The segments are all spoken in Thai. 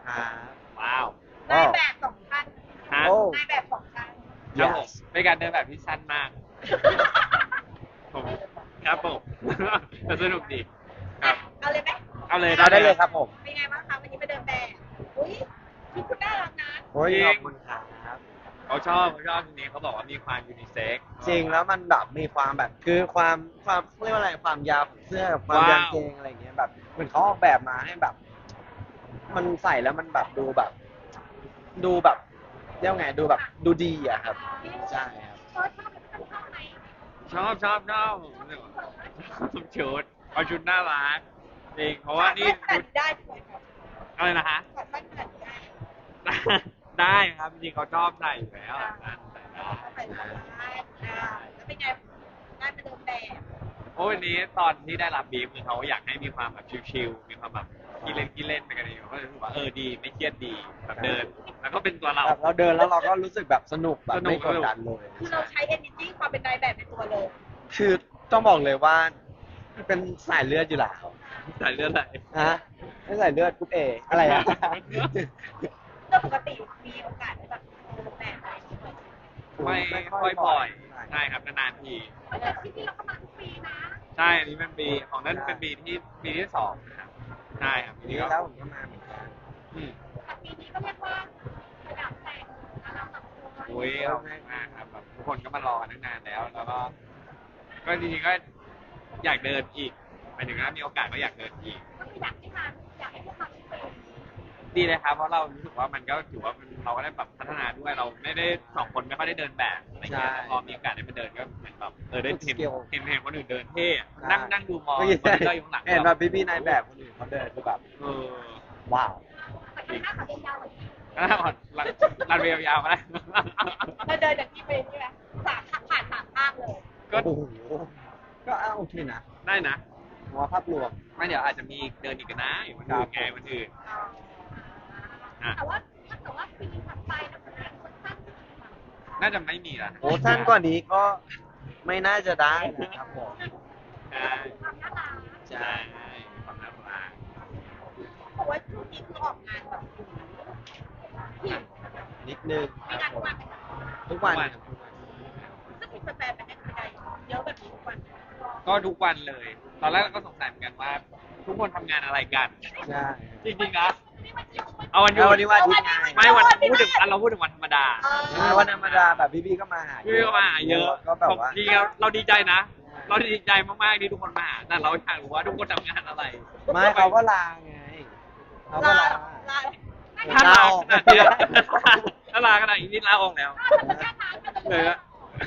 ครับว้าวนายแบบสองท่านฮะโอ้นายแบบสองท่านครับผม yes เป็นการเดินแบบที่สั้นมากผมครับผม แต่สนุกดีครับเอาเลยไหมเอาเลยเอาได้เลยครับผมเป็นไงบ้างคะวันนี้ไปเดินแบบอุ้ยชุดคุณน่ารักนะโอ้ยจริงขอบคุณครับเขาชอบทีนี้เขาบอกว่ามีความยูนิเซ็กซ์จริงแล้วมันแบบมีความแบบคือความเรียกว่าอะไรความยาวของเสื้อกับความยางเกงอะไรอย่างเงี้ยแบบเหมือนเขาออกแบบมาให้แบบ มันใส่แล้วมันแบบดูแบบเรียกว่าไงดูแบบดูดีอะครับใช่ครับเฟิร์สชอบไหมชอบผมรู้สึกว่าชอบชุดเอาชุดน่ารักจริงเพราะว่านี่ขาชุดดได้ใช่ไหมครับอะไรนะฮะขาดสั้นขนาดนี้ได้ได้ครับจริงเขาชอบใส่อยู่แล้วนั่นใส่ได้ใส่ได้แล้วเป็นไงงานไปเดินแบบโอ้ยวันนี้ตอนที่ได้รับบีฟคือเขาอยากให้มีความแบบชิลๆมีความแบบกินเล่นไปกันเองก็เลยรู้สึกว่าดีไม่เครียดดีแบบเดิน แล้วก็เป็นตัวเราแบบเราเดินแล้วเราก็รู้สึกแบบสนุกแบบสนุไม่กกดดันเลยคือเราใช้ energy ความเป็นนายแบบในตัวเลยคือต้องบอกเลยว่าเป็นสายเลือดอยู่แล้วใส่เลือดไหลฮะไม่สายเลือดกรุ๊ปเออะไรอะเรื่องปกติมีโอกาสได้แบบเดินแบบอะไรอย่างเงี้ยไม่ค่อยบ่อยใช่ครับนานๆทีแต่ที่นี่เราก็มาทุกปีนะใช่อันนี้เป็นปีของนั่นเป็นปีที่สองนะครับใช่ครับปีนี่นี้ก็แล้วผมก็มาเหมือนกันอืมแต่ปีนี้ก็เรียกว่าระดับแตกนะเราสองคนโอ้ยขอบคุณมากครับแบบทุกคนก็มารอกันตั้งนานแล้ว แล้วก็จริงๆก็อยากเดินอีกหมายถึงว่ามีโอกาสก็อยากเดินอีกก็คืออยากให้พวกเราทุกปีดีเลยครับเพราะเรารู้สึกว่ามันก็ถือว่าเราก็ได้แบบพัฒนาด้วยเราไม่ได้สองคนไม่ค่อยได้เดินแบบอะไรเงี้ยแล้วพอมีโอกาสได้มาเดินก็เหมือนแบบได้เห็นคนอื่นเดินเท่อะนั่งดูมองคนที่เราอยู่ข้างหลังเห็นแบบพี่ๆนายแบบคนอื่นเขาเดินคือแบบเออว้าวแต่ข้างหน้าเขาเดินยาวกว่านี้รันเวลยาวมาแล้วเราเดินจากที่ไปนี่ไหมผ่านสามภาคเลยก็โอ้โหก็โอเคนะได้นะผมว่าภาพรวมไม่เดี๋ยวอาจจะมีเดินอีกนะอยู่วันอื่นไงวันอื่นแต่ว่าถ้าเกิดว่าปีถัดไปนะมันจะสั้นขึ้นอีกน่าจะไม่มีละโอ้สั้นกว่านี้ก็ไม่น่าจะได้นะครับผมใช่ความน่ารักใช่ความน่ารักเพราะว่าช่วงนี้คือออกงานแบบที่นิดนึงมีงานทุกวันไหมคะทุกวันครับทุกวันซึ่งมีแฟนๆไปให้กำลังใจเยอะแบบนี้ทุกวันก็ทุกวันเลย ตอนแรกเราก็สงสัยเหมือนกันว่า ทุกคนทำงานอะไรกันใช่จริงๆนะเอาวันหยุเอาดวันนี้วันอาทิตย์ไงไม่วันเราพูดถึงวันธรรมดาวันธรรมดาแบบพี่ๆก็มาหาพี่ก็มาหาเยอะก็แบบว่าจริงๆเราดีใจนะ เราดีใจมากๆที่ทุกคนมาหาแต่เราอยากรู้ว่าทุกคนทำงานอะไรไม่เขาก็ลาไงเขาก็ลาลาถ้าลาขนาดนี้ถ้าลาขนาดนี้นี่ลาออกแล้ว เลยอะ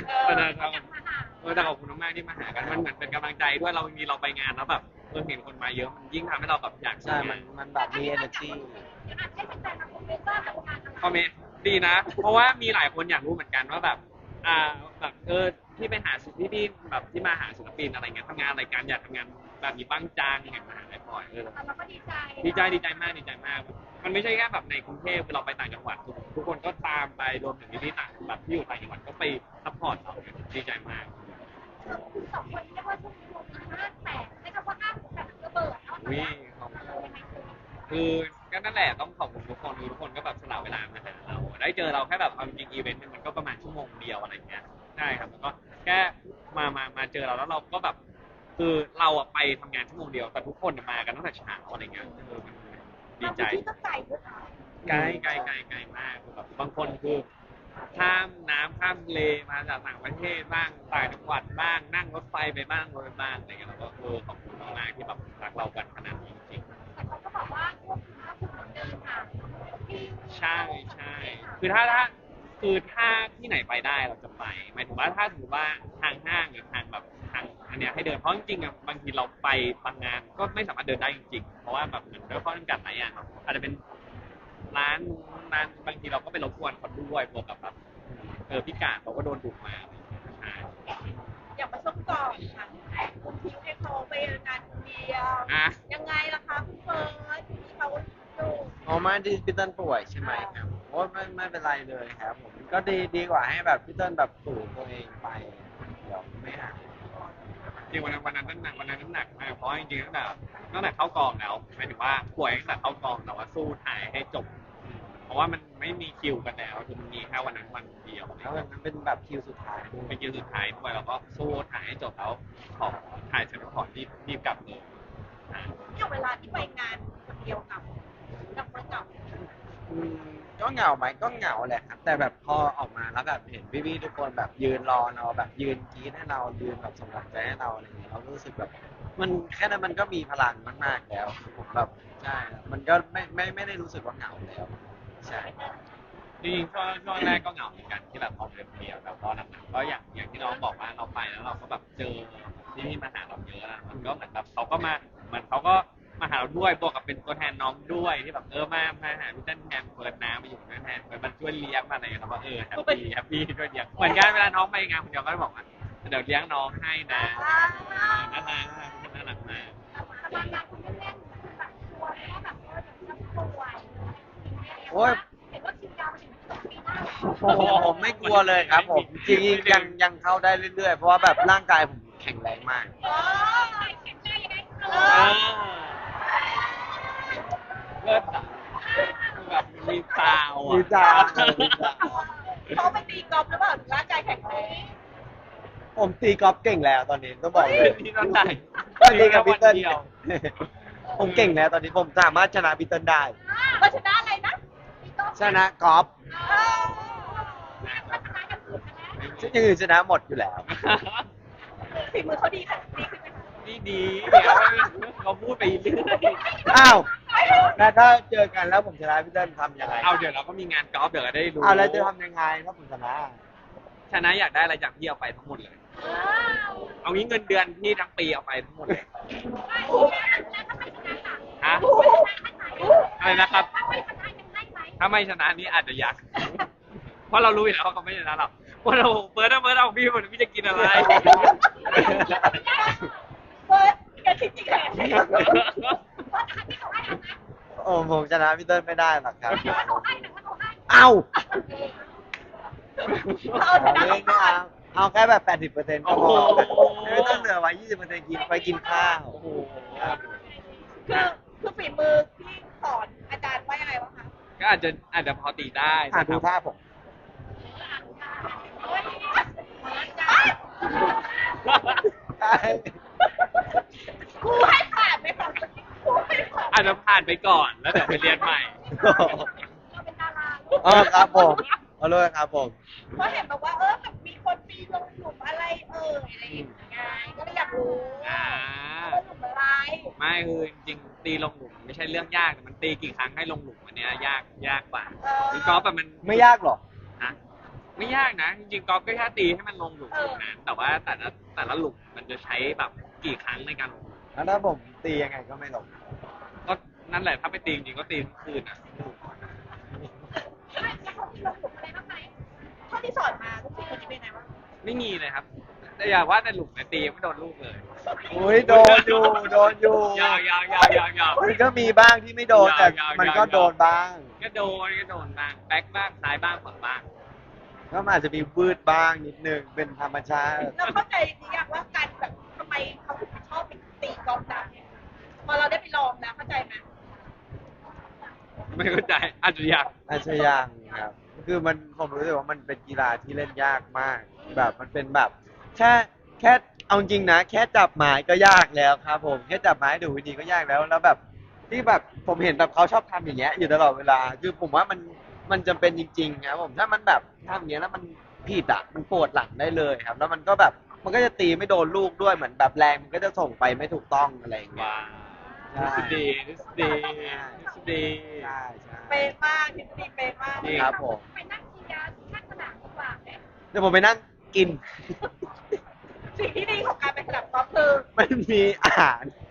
แต่ขอบคุณมากๆที่มาหากันมันเหมือนเป็นกำลังใจด้วยเรามีเราไปงานแล้วแบบเห็นคนมาเยอะมันยิ่งทำให้เราแบบอยากใช่มันแบบมี energy ให้แฟนๆมาคอมเมนต์ว่าทำงานอะไรคอมเมนต์ดีนะ เพราะว่ามีหลายคนอยากรู้เหมือนกันว่าแบบแบบที่ไปหาพี่แบบที่มาหาศิลปินอะไรเงี้ยทำงานอะไรกันอยากทำงานแบบนี้บ้างจังเห็นมาหาได้บ่อยเราก็ดีใจดีใจมาก มันไม่ใช่แค่แบบในกรุงเทพเราไปต่างจังหวัดทุกคนก็ตามไปรวมถึงที่ต่างแบบที่อยู่ต่างจังหวัดก็ไปซัพพอร์ตเราดีใจมากคุณสองคนเรียกว่าช่วงนี้วงห้างแตกใช้คำว่าห้างแตกระเบิดเนาะวิคือก็นั่นแหละต้องขอบคุณทุกคนทุกคนก็แบบสละเวลามาหาเราได้เจอเราแค่แบบเอาจริงอีเวนต์มันก็ประมาณชั่วโมงเดียวอะไรเงี้ยใช่ครับแล้วก็แค่มาเจอเราแล้วเราก็แบบคือเราอะไปทำงานชั่วโมงเดียวแต่ทุกคนมากันตั้งแต่เช้าอะไรเงี้ยมันดีใจที่ก็ไกลด้วยนะไกลมากคือแบบบางคนคือข้ามน้ำข้ามทะเลมาจากต่างประเทศบ้างต่างจังหวัดบ้างนั่งรถไฟไปบ้างรถไปบ้างอะไรเงี้ยเราก็ขอบคุณมากๆที่แบบรักเรากันขนาดนี้จริงแต่เขาก็บอกว่าพวกคุณก็คือเหมือนเดินทางที่ๆใช่คือถ้าที่ไหนไปได้เราจะไปหมายถึงว่าถ้าสมมติว่าทางห้างหรือทางแบบทางอันเนี้ยให้เดินเพราะจริงๆอะบางทีเราไปบางงานก็ไม่สามารถเดินได้จริงๆเพราะว่าแบบเหมือนด้วยข้อจำกัดหลายอย่างเนาะอาจจะเป็นร้านบางทีเราก็ไปรบกวนเขาด้วยบวกกับแบบพิการเขาก็โดนดุมาอะไรอย่างเงี้ยใช่อย่างมาช่วงก่อนค่ะคุณทิ้งให้เขาไปงานคนเดียวอ่ะยังไงล่ะคะคุณเฟิร์สที่เขาอยู่อ๋อไม่ที่พี่เติ้ลป่วยใช่ไหมครับโอ้ไม่เป็นไรเลยครับผมก็ดีกว่าให้แบบพี่เติ้ลแบบฝืนตัวเองไปเดี๋ยวไม่หายจริงวันนั้นน้ำหนักมากเพราะจริงๆตั้งแต่เข้ากองแล้วหมายถึงว่าป่วยตั้งแต่เข้ากองแต่ว่าสู้ถ่ายให้จบเพราะว่ามันไม่มีคิวกันแล้วคือมันมีแค่วันนั้นวันเดียวแล้วมันเป็นแบบคิวสุดท้ายด้วยเป็นคิวสุดท้ายด้วยเราก็สู้ถ่ายให้จบแล้วขอถ่ายเสร็จแล้วขอรีบกลับเลยอ่าเนี่ยเวลาที่ไปงานคนเดียวกับคนเก่าอืมก็เหงาไหมก็เหงาแหละครับแต่แบบพอออกมาแล้วแบบเห็นพี่ๆทุกคนแบบยืนรอเราแบบยืนกรี๊ดให้เรายืนแบบส่งกำลังใจให้เราอะไรอย่างเงี้ยเรารู้สึกแบบมันแค่นั้นมันก็มีพลังมากๆแล้วผมแบบใช่มันก็ไม่ได้รู้สึกว่าเหงาแล้วใช่จริงๆช่วงแรกก็เหงาเหมือนกันที่แบบออกเดินเดียวแต่พอหลังๆก็อย่างที่น้องบอกว่าเราไปแล้วเราก็แบบเจอที่มาหาเราเยอะนะมันก็เหมือนแบบเขาก็มาหาเราด้วยบวกกับเป็นตัวแทนน้องด้วยที่แบบมาหาพี่เต้นแทนเปิดน้ำมาอยู่ด้วยแทนมันช่วยเลี้ยงมาอะไรเราก็แฮปปี้ช่วยเลี้ยงเหมือนกันเวลาน้องไปงานคนเดียวก็จะบอกว่าเดี๋ยวเลี้ยงน้องให้นะน่ารักน่ารักมากสบายงานคุณเล่นๆแบบกลัวว่าแบบจะป่วยโอ้ยเห็นว่าคิวยาวไปถึงปีหน้าโอ้โหผมไม่กลัวเลยครับผมจริงๆยังเข้าได้เรื่อยๆเพราะว่าแบบร่างกายผมแข็งแรงมากเออเห็นได้ยังไงเลิศอ่ะแบบมีซาวอ่ะมีซาวเขาไปตีกอล์ฟหรือเปล่าร่างกายแข็งแรงผมตีกอล์ฟเก่งแล้วตอนนี้ต้องบอกเลยที่นั่นไหนก็ตีกับพี่เติ้ลเดียวผมเก่งแล้วตอนนี้ผมสามารถชนะพี่เติ้ลได้ก็ชนะอะไรนะตีกอล์ฟชนะกอล์ฟก็ชนะอย่างอื่นนะอย่างอื่นชนะหมดอยู่แล้วฝีมือเขาดีค่ะดีขึ้นไหมคะนี่ดีเดี๋ยวเขาพูดไปเรื่อยอ้าวแล้วถ้าเจอกันแล้วผมชนะพี่เติ้ลทำยังไงเอาเดี๋ยวเราก็มีงานกอล์ฟเดี๋ยวได้รู้เอาแล้วจะทำยังไงถ้าผมชนะชนะอยากได้อะไรจากพี่เอาไปทั้งหมดเลย เอางี้เงินเดือนพี่ทั้งปีเอาไปทั้งหมดเลยฮะอะไรนะครับ ถ้าไม่ชนะนี่อาจจะอยาก เพราะเรารู้อยู่แล้วว่าเขาไม่ชนะหรอกว่าเราเปิดเอาพี่หมดพี่จะกินอะไรเฟิร์สกันจริงๆเลยโอ้ผมชนะพี่เติ้ลไม่ได้หรอกครับ เอ้าเอาชนะไม่เอาเอาแค่แบบ 80%ก็พอไม่ต้องเหลือไว้ 20%กินไปกินข้าวโอ้โหคือฝีมือที่สอนอาจารย์ว่ายังไงบ้างคะก็อาจจะพอตีได้อ่ะดูท่าผม ใช่ครูให้ผ่านไหมคะครูให้ผ่านอาจจะผ่านไปก่อนแล้วเดี๋ยวไปเรียนใหม่เราเป็นดาราอ๋อครับผมขอโทษครับผมเพราะเห็นบอกว่าแบบมีคนปีลงหลุมอะไรอะไรอย่างเงี้ยก็เลยอยากรู้อ่าว่าหลุมอะไรไม่คือจริงๆตีลงหลุมไม่ใช่เรื่องยากแต่มันตีกี่ครั้งให้ลงหลุมอันเนี้ยยากกว่าคือกอล์ฟอะมันไม่ยากหรอกอะไม่ยากนะจริงๆกอล์ฟก็แค่ตีให้มันลงหลุมนั้นแต่ว่าแต่ละหลุมมันจะใช้แบบกี่ครั้งในการลงหลุมแล้วถ้าผมตียังไงก็ไม่ลงก็นั่นแหละถ้าไปตีจริงๆก็ตีทั้งคืนอ่ะแล้วเขามีลงหลุมอะไรบ้างไหมเท่าที่สอนมาลูกศิษย์คนนี้เป็นไงบ้างไม่มีเลยครับ แต่อย่าว่าแต่หลุมเลยตียังไม่โดนลูกเลยอุ้ยโดนอยู่ โดนอยู่ยาวมันก็มีบ้างที่ไม่โดนแต่ยาวๆมันก็โดนบ้างก็โดนบ้างแบ็คบ้างซ้ายบ้างขวาบ้างก็มันอาจจะมีวืดบ้างนิดนึงเป็นธรรมชาติเราเข้าใจหรือยังว่าการแบบทำไมเขาถึงชอบไปตีกอล์ฟนะพอเราได้ไปลองแล้วเข้าใจไหมไม่เข้าใจอาจจะอยากอาชญางครับ คือมันผมรู้สึกว่ามันเป็นกีฬาที่เล่นยากมาก แบบมันเป็นแบบ แค่เอาจริงนะ แค่จับไม้ก็ยากแล้วครับผมแค่จับไม้ดูวิธีก็ยากแล้วแล้วแบบที่แบบผมเห็นแบบเขาชอบทำอย่างเงี้ยอยู่ตลอดเวลาคือผมว่ามันจำเป็นจริงๆครับผมถ้ามันแบบทำอย่างเงี้ยแล้วมันผิดอ่ะมันปวดหลังได้เลยครับ แล้วมันก็แบบมันก็จะตีไม่โดนลูกด้วยเหมือนแบบแรงมันก็จะส่งไปไม่ถูกต้องอะไรอย่างเงี้ยว้าใช่ดีดีใช่ใช่เป็นมากทฤษฎีเป็นมากครับผมไปนั่งเชียร์ข้างสนามดีกว่าไหมเดี๋ยวผมไปนั่งกินสิ่งที่ดีของการเป็นสนามกอล์ฟคือไม่มีอาหาร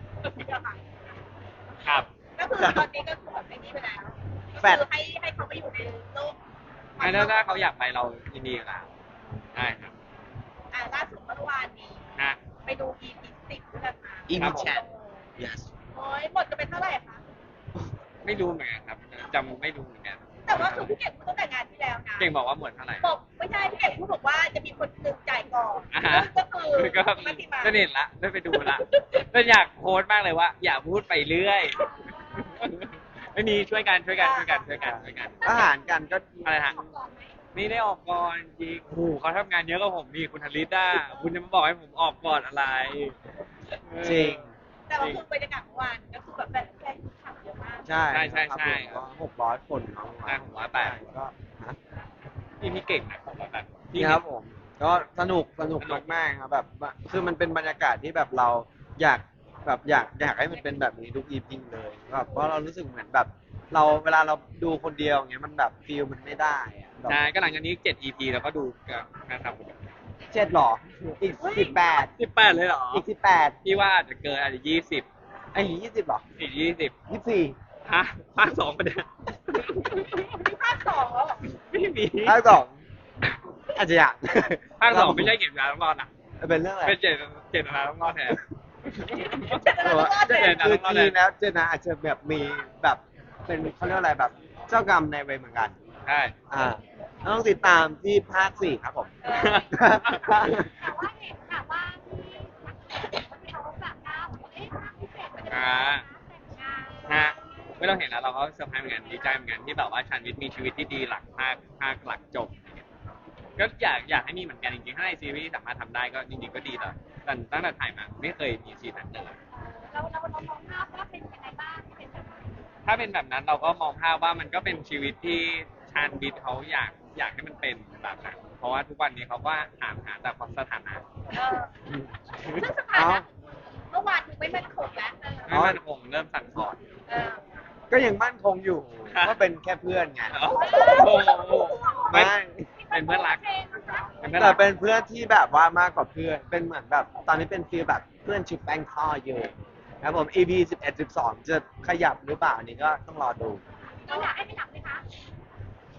ครับก็คือตอนนี้ก็คือแบบไอ้นี่ไปแล้วแฟดคือให้เขาไปอยู่ในโลกถ้าเขาอยากไปเรายินดีกับเราได้ครับล่าสุดเมื่อวานนี้นะไปดู EP 10ด้วยกันมา EP 10 yes โอ้ยหมดจะเป็นเท่าไหร่คะไม่รู้เหมือนกันครับจำไม่รู้เหมือนกันแต่ว่าคือพี่เก่งพูดตั้งแต่งานที่แล้วนะเก่งบอกว่าหมดเท่าไหร่บอกไม่ใช่พี่เก่งพูดบอกว่าจะมีคนหนึ่งจ่ายก่อนอ่าฮะก็คือก็มัติมาก็เห็นละได้ไปดูละก็อยากโพสต์มากเลยว่า อย่าพูดไปเรื่อย ไม่มีช่วยกันอาหารกันก็อะไรฮะ นี่ได้ออกก่อนจริงโอ้โหเขาทำงานเยอะกว่าผมนี่คุณธลิตอ่ะคุณจะมาบอกให้ผมออกก่อนอะไรจริงแต่ว่าคือบรรยากาศเมื่อวานก็คือแบบแฟนๆขับเยอะมากใช่ใช่ก็600 คนเนาะใช่600 ก็ฮะพี่เก่งนะผมว่าแบบนี่ครับผมก็สนุกมากๆครับแบบคือมันเป็นบรรยากาศที่แบบเราอยากแบบอยากให้มันเป็นแบบนี้ทุก EP เลยแบบเพราะเรารู้สึกเหมือนแบบ เราเวลาเราดูคนเดียวอย่างเงี้ยมันแบบฟีลมันไม่ได้อะแบบใช่ก็หลังจากนี้7 EP แล้วก็ดูกันนะครับ 7หรออีก18 18เลยเหรออีก18 พี่ว่าอาจจะเกินอาจจะ20 ไอ้20หรออีก20 24 ฮะภาค2ประเด็นมีภาคสองแล้วเหรอไม่มีภาค2อาจจะอยากภาค2ไม่ใช่เก็บเวลาต้องรอดนะเป็นเรื่องอะไรเป็นเจตนาต้องรอดแทนเจ็ดแล้วก็รอดเลยคือจริงๆแล้วเจนะอาจจะแบบมีแบบเป็นเขาเรียกอะไรแบบเจ้ากรรมในายเวรเหมือนกันใช่ต้องติดตามที่ภาค 4 ครับผมแต่ว่าเห็นแบบว่าที่เขาแบบหน้าบอกว่าเอ๊ะภาคพิเศษมันจะเป็นแต่งงานฮะเมื่อเราเห็นแล้วเราก็เซอร์ไพรส์เหมือนกันดีใจเหมือนกันที่แบบว่าชันวิทย์มีชีวิตที่ดีหลังภาคหลักจบ ก็อยากให้มีเหมือนกันจริงๆถ้าในซีรีส์สามารถทำได้ก็จริงๆก็ดีแต่ตั้งแต่ถ่ายมาไม่เคยมีซีนนั้นเลยเรามองภาพว่าเป็นยังไงบ้างเป็นแบบไหนถ้าเป็นแบบนั้นเราก็มองภาพว่ามันก็เป็นชีวิตที่ชาญวิทย์เขาอยากให้มันเป็นแบบนั้นเพราะว่าทุกวันนี้เขาก็ถามหาแต่ความสถานะซึ่งสถานะเมื่อวานคือไม่มั่นคงแล้วไม่มั่นคงเริ่มสั่นคลอนก็ยังมั่นคงอยู่ว่าเป็นแค่เพื่อนไงโอ้โหไม่ไม่เป็นเพื่อนรัก เป็นเพื่อนแต่รักเป็นเพื่อนที่แบบว่ามากกว่าเพื่อน เป็นเหมือนแบบตอนนี้เป็นฟีลแบบเพื่อนชุบแป้งทอดอยู่ครับผม EP 11 12 จะขยับหรือเปล่าอันนี้ก็ต้องรอดูเราอยากให้ไม่หลับไหมคะผม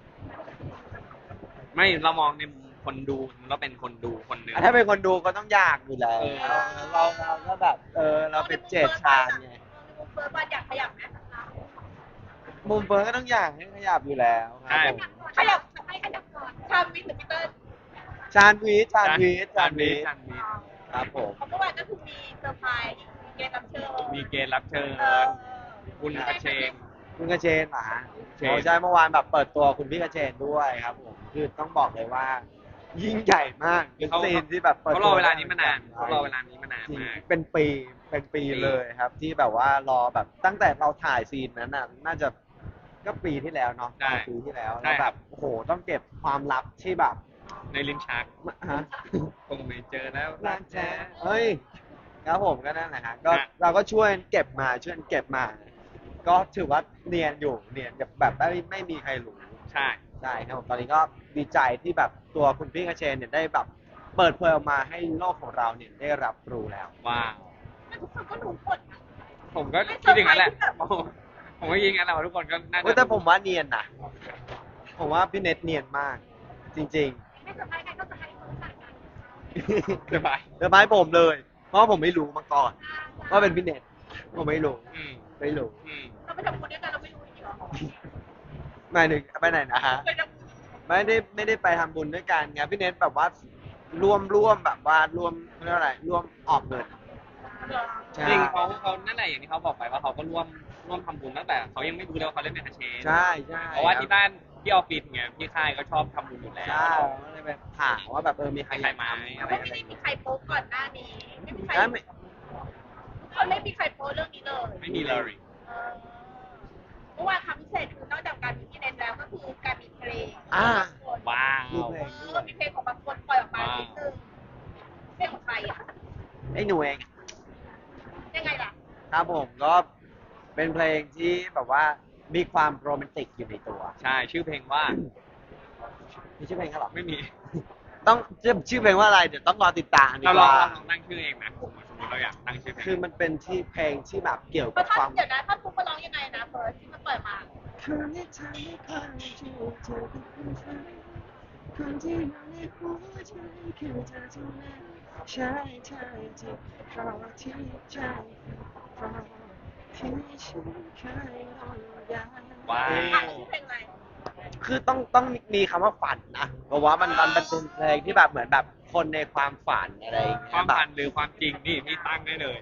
ไม่เรามองในมุมคนดูเราเป็นคนดูคนหนึ่งถ้าเป็นคนดูก็ต้องอยากอยู่แล้วเออเราก็แบบเราเป็นเจดชานไงมุมเฟิร์สบอลอยากขยับไหมมุมเฟิร์นก็ต้องอยากให้ขยับอยู่แล้วครับผมขยับให้ขยับก่อนชามวิทย์หรือพีเตอร์ชานวีทชาญวิทย์ครับผมเพราะเมื่อวานก็คือมีเซอร์ไพรส์มีเกมรับเชิญมีเกณฑ์รับเชิญเออคุณกระเชงคุณกระเชนเหรอฮะเชนโอ้ใช่เมื่อวานแบบเปิดตัวคุณพี่กระเชนด้วยครับผมคือต้องบอกเลยว่า ยิ่งใหญ่มากเป็นซีนที่แบบปิดเขารอเวลานี้มานานเขารอเวลานี้มานานจริงมากเป็นปีเลยครับ ที่แบบว่ารอแบบตั้งแต่เราถ่ายซีนนั้นน่ะน่าจะก็ปีที่แล้วเนาะใช่ปีที่แล้วใช่แล้วคแบรับบ โอ้โหต้องเก็บความลับที่แบบในลิ้นชักฮะคงไม่เจอแล้วรักแท้เฮ้ยครับผมก็นั่นแหละฮะก็ฮะเราก็ช่วยเก็บมา ก็ถือว่าเนียนอยู่เนียนแบบไม่มีใครรู้ใช่ใช่ครับผมตอนนี้ก็ดีใจที่แบบตัวคุณพี่กระเชนเนี่ยได้แบบเปิดเผยออกมาให้โลกของเราเนี่ยได้รับรู้แล้วว้าวแต่ทุกคนก็รู้หมดนะผมก็คิดอย่างนั้นแหละผมก็ยิงกันแหละว่าทุกคนก็น่าเว้ยจะแต่ผมว่าเนียนนะผมว่าพี่เน็ตเนียนมาก จริงไม่สบายใจก็สบายมือสั่นกันๆสบายเดี๋ยวไม้ผมเลย เพราะผมไม่รู้มาก่อน ว่าเป็นพี่เน็ตผมไม่รู้อืมไม่รู้อืมเราไปทำบุญด้วยกันเราไม่รู้จริงๆหรอหมายถึงไปไหนนะฮะไปทำบุญไม่ได้ไปทำบุญด้วยกันไงพี่เน็ตแบบว่าร่วมแบบว่าร่วมเรียกว่าอะไรร่วมออกเงินเหรอใช่จริงเขานั่นแหละอย่างที่เขาบอกไปว่าเขาก็ร่วมทำบุญตั้งแต่เขายังไม่รู้เลยว่าเขาเล่นเป็นอาเชนใช่เพราะว่าที่บ้านที่ออฟฟิศเนี่ยพี่ค่ายก็ชอบทำบุญอยู่แล้วใช่ก็เลยไปถามว่าแบบมีใครมีใครไหมอยากทำอะไรไม่อะไรได้มีใครโป๊ก่อนหน้านี้ ไม่มีใครแล้วไม่เขาไม่มีใครโป๊เรื่องนี้เลยไม่มีเลยเออเมื่อวานทำพิเศษคือนอกจากการมีที่เน้นแล้วก็คือการมีเพลงว้าวมีเพลงก็มีเพลงของบางคนปล่อยออกมานิดนึงเพลงของใครอ่ะไอ้หนูเองยังไงล่ะครับผมก็เป็นเพลงที่แบบว่ามีความโรแมนติกอยู่ในตัวใช่ชื่อเพลงว่ามีชื่อเพลงเขาเหรอไม่มีต้องชื่อเพลงว่าอะไรเดี๋ยวต้องรอติดตามดีเรากลองว่าตั้งชื่อเองนะสมมติเราอยากตั้งชื่อเพลงคือมันเป็นที่เพลงที่แบบเกี่ยวเพกับราะความเดี๋ยวนะถ้าทุกคนร้องยังไงนะเฟิร์สที่มันปล่อยมาคืนที่เธอไม่เคยที่เธอเป็นคนไทยคนที่อยู่ในหัวใจคือเธอเท่านั้นใช่ที่เพราะที่ใจเพราะทว้าอ่ะวชื่อเพลงอะไรคือต้องมีคำว่าฝันนะเพราะว่ามันเป็นเพลงที่แบบเหมือนแบบคนในความฝันอะไรอย่างคเงี้วาย มแบบฝันหรือความจริงนี่พี่ตั้งได้เลย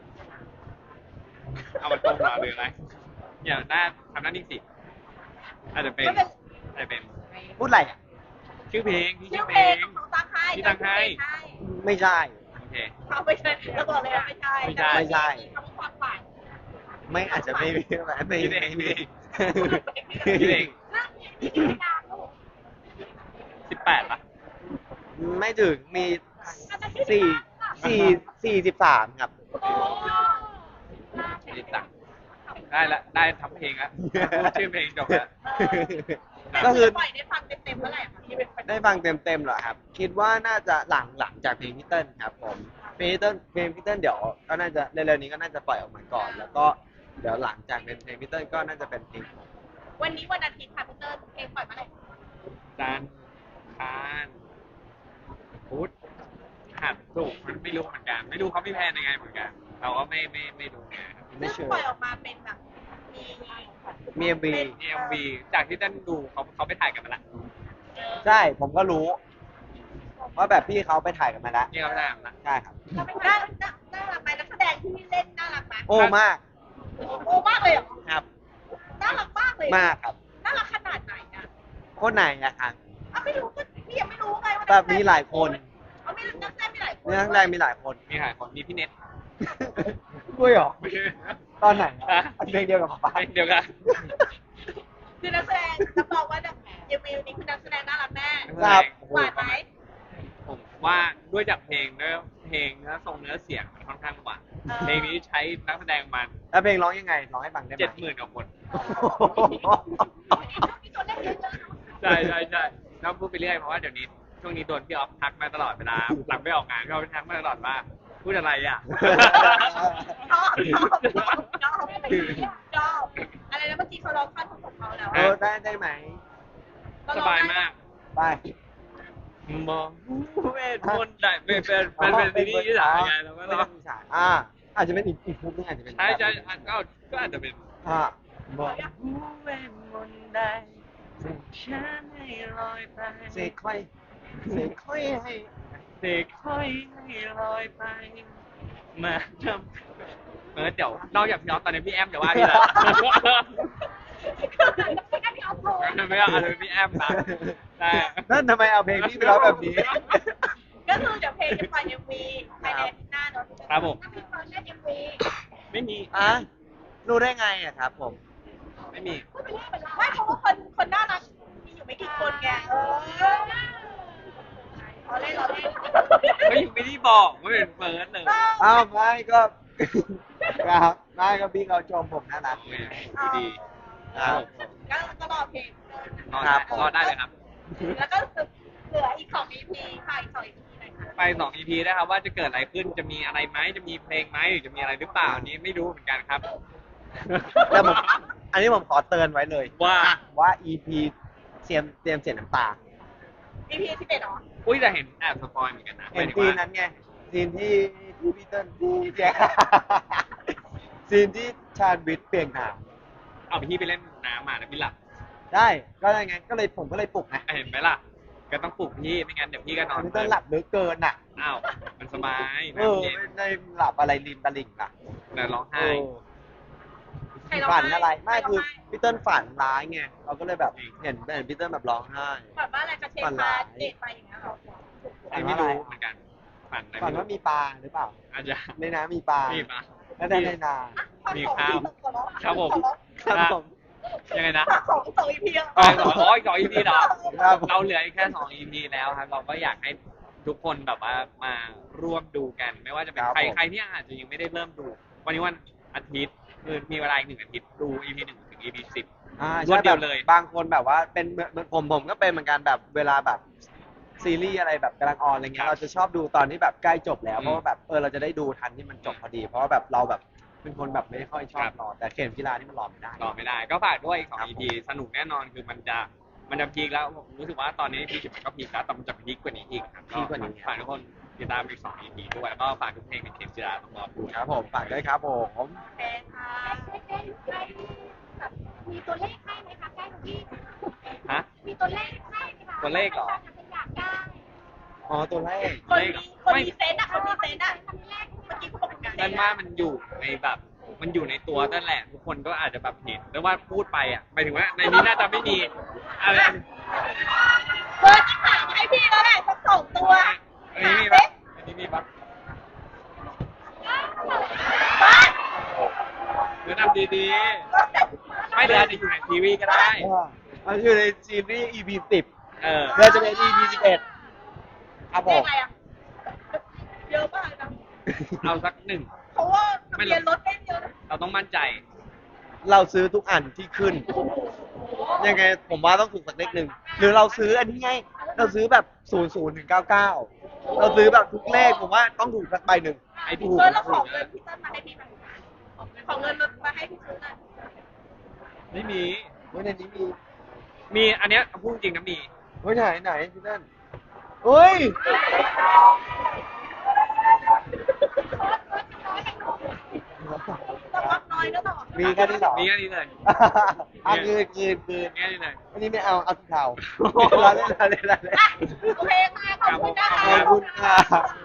เอามันตรงมาหรืออะไรอย่าหน้าทำหน้านิ่งสิอาจจะเป็นไม่เป็นอาจจะเป็นพูดอะไรอ่ะชื่อเพลงพี่ชื่ชื่ออเพเพลลงงของตั้งให้ที่ตั้งให้ไม่ใช่โอเคเขาไม่ใช่เราบอกเลยว่าไม่ใช่ไม่ใช่ไม่ใช่คำว่าความฝันไม่อาจจะไม่มีไม่พี่เองมีพี่เองเรื่องนี้มีกี่ดาวลูก 18ป่ะไม่ถึงมี43ครับโอ้นี่ตังได้ละได้ทำเพลงละพูดชื่อเพลงจบแล้วก็คือปล่อยได้ฟังเต็มๆเมื่อไหร่คะที่เป็นแฟนได้ฟังเต็มๆเหรอครับ คิดว่าน่าจะหลังจากเพลงพี่เติ้ลครับผมเพลงพี่เติ้ลเดี๋ยวก็น่าจะเร็วๆนี้ก็น่าจะปล่อยออกมาก่อน แล้วก็เดี๋ยวหลังจากเป็นเพลงพี่เติ้ลก็น่าจะเป็นเพลงผมวันนี้วันอาทิตย์ค่ะพี่เตอร์เพลงปล่อยเมื่อไหร่จันทร์คานพุธหัดศุกร์มันไม่รู้เหมือนกัน ไม่รู้เขาพี่แพนยังไงเหมือนกัน เราก็ไม่รู้ไงครับไม่ซึ่งเชื่อปล่อยออกมาเป็นแบบมีมี MV มี MV จากที่ท่านดูเขาไปถ่ายกันมาละใช่ผมก็รู้ว่าแบบพี่เขาไปถ่ายกันมาแล้วนี่เขาไปถ่ายกันมาละใช่ครับน่ารักไหมนักแสดงที่เล่นน่ารักไหมโอ้มากโอ้มากเลยเหรอครับน่ารักมากเลยมากครับน่ารักขนาดไหนอ่ะคนไหนอะครับอ่ะไม่รู้ก็พี่ยังไม่รู้ไงว่าแบบมีหลายคนเอาไม่นักแสดงมีหลายคนเนื้อข้างในมีหลายคนมีถ่ายคนมีพี่เน็ตด้วยเหรอไม่ใช่ตอนไหนอะฮะเพลงเดียวกับป๊าเดียวกันคือนักแสดงรับรองว่ายังมีนี่คือนักแสดงน่ารักแน่ครับหวานไหมผมว่าด้วยจากเพลงด้วยเพลงเนื้อทรงเนื้อเสียงมันค่อนข้างหวานเพลงนี้ใช้นักแสดงมันแล้วเพลงร้องยังไงร้องให้ฟังได้ไหม 70,000กว่าคนมีตัวเล่นเยอะๆเนาะใช่แล้วพูดไปเรื่อยเพราะว่าเดี๋ยวนี้ช่วงนี้โดนพี่ออฟทักมาตลอดเวลาหลังไปออกงานพี่ออฟทักมาตลอดว่าพูดอะไรอ่ะชอบอะไรนะเมื่อกี้เขาร้องท่อนของเขาแล้วเออได้ไหมสบายมากไปมองเวทมนต์ได้เป็นซีรีส์ที่ถ่ายไงแล้วก็ไม่ร้อต้อง งมีฉากอาจจะเป็นอีกมุกนึงอาจจะเป็นใช่ก็อาจจะเป็นบอกเวทมนต์ได้ส่งฉันให้ลอยไปเสกค่อยให้เสกค่อยให้ลอยไปมาทำเดี๋ยวนอกจากพี่ออฟตอนนี้พี่แอมจะว่าพี่ละไม่ได้พี่ออฟโทรไม่เอาอะไรพี่แอมนะแต่นั่นทำไมเอาเพลงพี่ไปร้องแบบนี้ก็คือเดี๋ยวเพลงจะปล่อย MV ภายในอาทิตย์หน้าเนาะครับผมถ้าพี่เฟิร์นเล่น MV ไม่มีรู้ได้ไงอะครับผมไม่มีพูดไปเรื่อยเหมือนเราไม่เพราะว่าคนน่ารักมีอยู่ไม่กี่คนไงเราเล่นก็ยังไม่ได้บอกว่าเป็นเฟิร์สเลยอ้าวไม่ก็ ครับไม่ก็พี่เขาชมผมน่ารักดีครับก็รอเพลงรอได้เลยครับแล้วก็เหลืออีก2 EP ค่ะอีก2 EP เลยค่ะไป2 EP นะครับว่าจะเกิดอะไรขึ้นจะมีอะไรไหมจะมีเพลงไหมหรือจะมีอะไรหรือเปล่าอันนี้ไม่รู้เหมือนกันครับแต่ผมอันนี้ผมขอเตือนไว้เลยว่า EP เตรียมเสียน้ำตา EP 11เหรออุ้ยแต่เห็นแอบสปอยเหมือนกันนะเห็นหมายถึงซีนว่านั้นไงซีนที่พี่เติ้ลที่แจ๊ซีนที่ชาญวิทย์เปลี่ยนหนามเอาพี่ไปเล่นน้ำมาแล้วพี่หลับได้ก็ได้ไงก็เลยผมก็เลยปลุกไงเห็นไหมล่ะก็ต้องปลุกพี่ไม่งั้นเดี๋ยวพี่ก็นอนพี่เติ้ลหลับลึกเกินอ่ะอ้าวมันสบายเออน้ำเย็นไม่ได้หลับอะไรริมตลิ่งอ่ะเดี๋ยวร้องเอไห้อฝันอะไรไม่คือพี่เติ้ลฝันร้ายไงเราก็เลยแบบเห็นพี่เติ้ลแบบร้องไห้แบบว่าอะไรจะเช็คมาเดทไปอย่างเงี้ยเหรออันนี้ไม่รู้เหมือนกันฝันอะไรฝันว่ามีปลาหรือเปล่าอาจจะในน้ำมีปลามีปะแล้วในนามีข้าวครับผมครับผมยังไงนะสอง EP อ่ะสอง EP เหรอครับเราเหลืออีกแค่2 EP แล้วครับ เราก็อยากให้ทุกคนแบบว่ามาร่วมดูกัน ไม่ว่าจะเป็นใครที่อาจจะยังไม่ได้เริ่มดู วันนี้วันอาทิตย์คือมีเวลาอีก1 อาทิตย์ดู EP 1 ถึง EP 10 รวดเดียวเลยบางคนแบบว่าเป็นเหมือนผมก็เป็นเหมือนกันแบบเวลาแบบซีรีส์อะไรแบบกำลังออนอะไรเงี้ยเราจะชอบดูตอนที่แบบใกล้จบแล้วเพราะว่าแบบเราจะได้ดูทันที่มันจบพอดี เพราะว่าแบบเราแบบเป็นคนแบบไม่ค่อยชอบรอแต่เข็มกีฬานี่มันรอไม่ได้รอไม่ได้ ก็ฝากด้วยอีก2 EP สนุกแน่นอนคือมันจะพีคแล้วผมรู้สึกว่าตอนนี้ EP 10มันก็พีคแล้วแต่มันจะพีคกว่านี้อีกครับพีคกว่านี้ฝากทุกคนติดตามอีก2 EP ด้วยแล้วก็ฝากทุกเพลงในเข็มจีราต้องรอดูครับผมฝากด้วยครับผมโอเคค่ะตัวเลขเหรออยากได้อ๋อตัวแรกคนมีเซนต์อะคนมีเซนต์อะเมื่อกี้เขาบอกมีเซนั่นนต์ว่าอะมันอยู่ในแบบ มันอยู่ในตัวนั่นแหละ ทุกคนก็อาจจะแบบเห็นแต่ว่าพูดไปอ่ะหมายถึงว่าในนี้น่าจะไม่มีอะไรเบอร์จะถามให้พี่แล้วแหละสัก2 ตัวอันนี้มีปะอันนี้มีปะบ้านเดี๋ยวทำดีๆ ไม่เดี๋ยวอาจจะอยู่ในทีวีก็ได้มันอยู่ในซีรีส์ EP 10 เออเดี๋ยวจะเป็น EP 11ครับผเรียกมอะไรอะเยอะมากนะเอาสักหนึ่งเพราะว่าทะเบียนรถไม่เยอะนะเราต้องมั่นใจเราซื้อทุกอันที่ขึ้น ยังไงผมว่าต้องถูกสักเลขหนึ่งหรือเราซื้ออันนี้ไง เราซื้อแบบ00ถึง99เราซื้อแบบทุกเลขผมว่าต้องถูกสักใบหนึ่งไอ้ที่ถูกแล้วของเงินพี่เติ้ลมาให้พี่ไหมของเงินรถมาให้พี่ซื้อหน่อยไม่มีเฮ้ยในนี้มีมีอันเนี้ยพูดจริงนะมีเฮ้ยไหนพี่นั่นเฮ้ยต้องรับน้อยแล้วต่อมีแค่นี้เหรอมีแค่นี้เลยอ่ะคืนแค่นี้เลยอันนี้ไม่เอาสีเทาเราเล่นอ่ะโอเคค่ะขอบคุณนะคะขอบคุณค่ะ